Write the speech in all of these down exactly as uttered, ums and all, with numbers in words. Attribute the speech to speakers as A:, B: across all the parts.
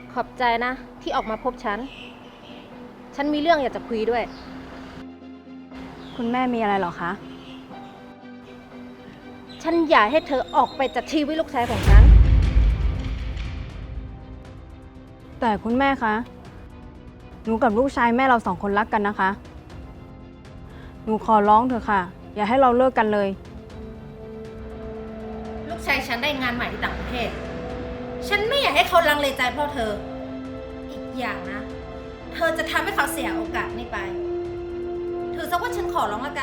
A: ขอบใจนะที่ออกมาพบฉัน ฉันมีเรื่องอยากจะคุยด้วย
B: คุณแม่มีอะไรหรอคะ
A: ฉันอยากให้เธอออกไปจากชีวิตลูกชายของฉัน
B: แต่คุณแม่คะ หนูกับลูกชายแม่เราสองคนรักกันนะคะ หนูขอร้องเถอะค่ะ อย่าให้เราเลิกกันเลย
A: ลูกชายฉันได้งานใหม่ที่ต่างประเทศ ฉันไม่อยากให้เขาลังเลใจเพราะเธอ อีกอย่างนะ เธอจะทำให้เขาเสียโอกาสนี้ไป ถือซะว่าฉันขอร้องละกัน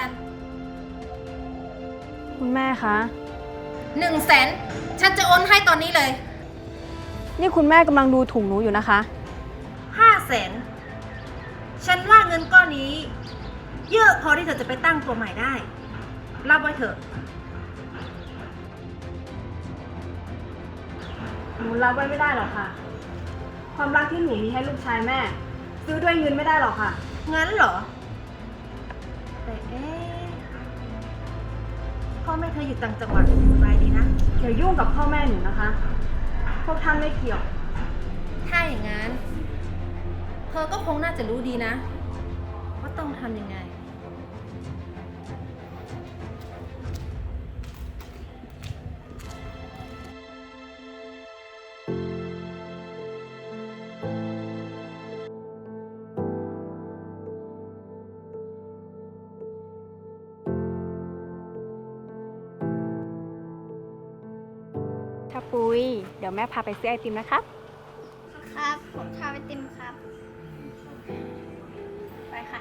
B: คุณแม่คะ
A: หนึ่งแสน ฉันจะโอนให้ตอนนี้เลย
B: นี่คุณแม่กำลังดูถูกหนูอยู่นะคะ
A: ห้าแสน ฉันว่าเงินก้อนนี้ เยอะพอที่เธอจะไปตั้งตัวใหม่ได้ รับไว้เถอะ
B: หนูรับไว้ไม่ได้หรอกค่ะ ความรักที่หนูมีให้ลูกชายแม่ ซื้อด้วยเงินไม่ได้หรอกค่ะ
A: งั้นเหรอ แต่เอ๊ะพ่อแม่เธออยู่ต่างจังหวัดสบายดีนะ
B: อย่ายุ่งกับพ่อแม่หนูนะคะ พวกท่านไม่เกี่ยว
A: ถ้าอย่างนั้น เธอก็คงน่าจะรู้ดีนะ ว่าต้องทำยังไง
B: ถ้าปุ้ย เดี๋ยวแม่พาไปซื้อไอติมนะครับ
C: ครับ ผมทาไอติมครับ ไปค่ะ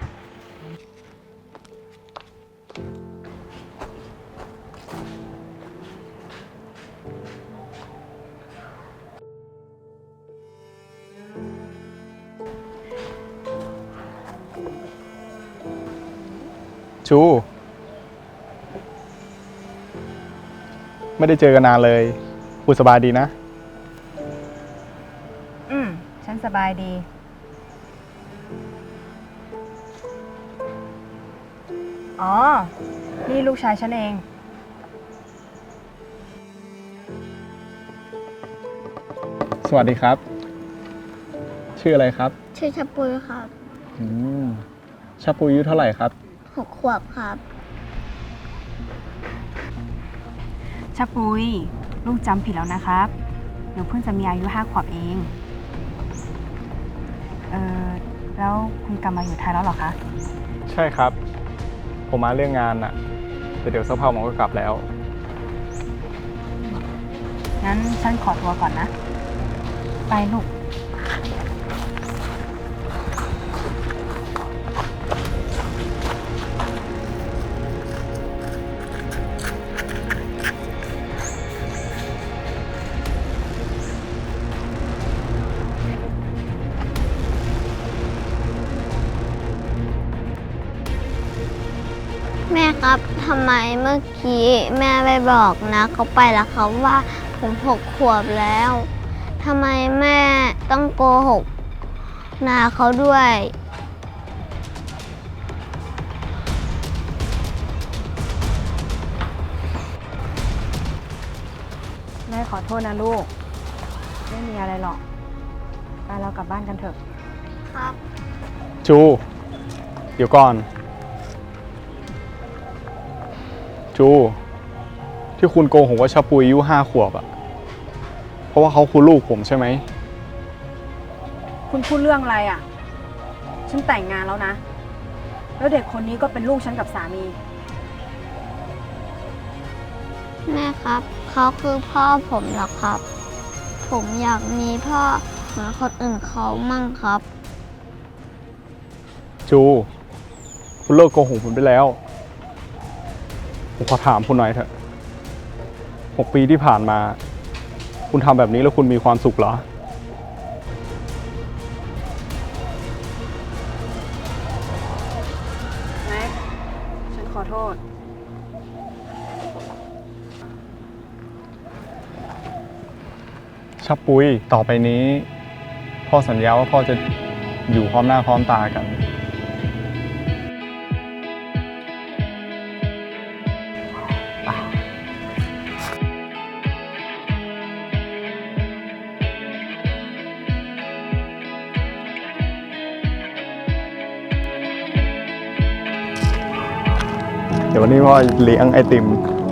D: ชู ไม่ได้เจอกันนานเลยพูดสบายดีนะ
B: อืม ฉันสบายดี อ๋อ นี่ลูกชายฉันเอง
D: สวัสดีครับ ชื่ออะไรครับ
C: ชื่อชะปุยครับ
D: อืมชาปูอายุเท่าไหร่ครับ
C: หกขวบครับ
B: ชะปุย ลูกจำผิดแล้วนะครับ หนูเพิ่งจะมีอายุห้าขวบเอง เออแล้วคุณกลับมาอยู่ไทยแล้วเหรอคะ
D: ใช่ครับ ผมมาเรื่องงานน่ะแต่เดี๋ยวสักพักผมก็กลับแล้ว
B: งั้นฉันขอตัวก่อนนะ ไปลูก
C: แม่ครับ ทำไมเมื่อกี้แม่ไปบอกนะเขาไปแล้วครับว่าผมหกขวบแล้ว ทำไมแม่ต้องโกหกนาเขาด้วย
B: แม่ขอโทษนะลูก ไม่มีอะไรหรอก ไปเรากลับบ้านกันเถอะ
C: ครับ
D: ชู เดี๋ยวก่อน ชู ที่คุณโกหกว่าชาปูอายุห้าขวบอะเพราะว่าเขาคือลูกผมใช่ไหม
B: คุณพูดเรื่องอะไรอ่ะ ฉันแต่งงานแล้วนะ แล้วเด็กคนนี้ก็เป็นลูกฉันกับสามี
C: แม่ครับ เขาคือพ่อผมเหรอครับ ผมอยากมีพ่อเหมือนคนอื่นเขามั่งครับ
D: ชู คุณเลิกโกหกผมได้แล้ว ผมขอถามคุณหน่อยเถอะหกปีที่ผ่านมา คุณทำแบบนี้แล้วคุณมีความสุขเหรอ
B: แม็ก ฉันขอโทษ
D: ชับปุ้ยต่อไปนี้ พ่อสัญญาว่าพ่อจะอยู่พร้อมหน้าพร้อมตากันเดี๋ยววันนี้พ่อเลี้ยงไอติม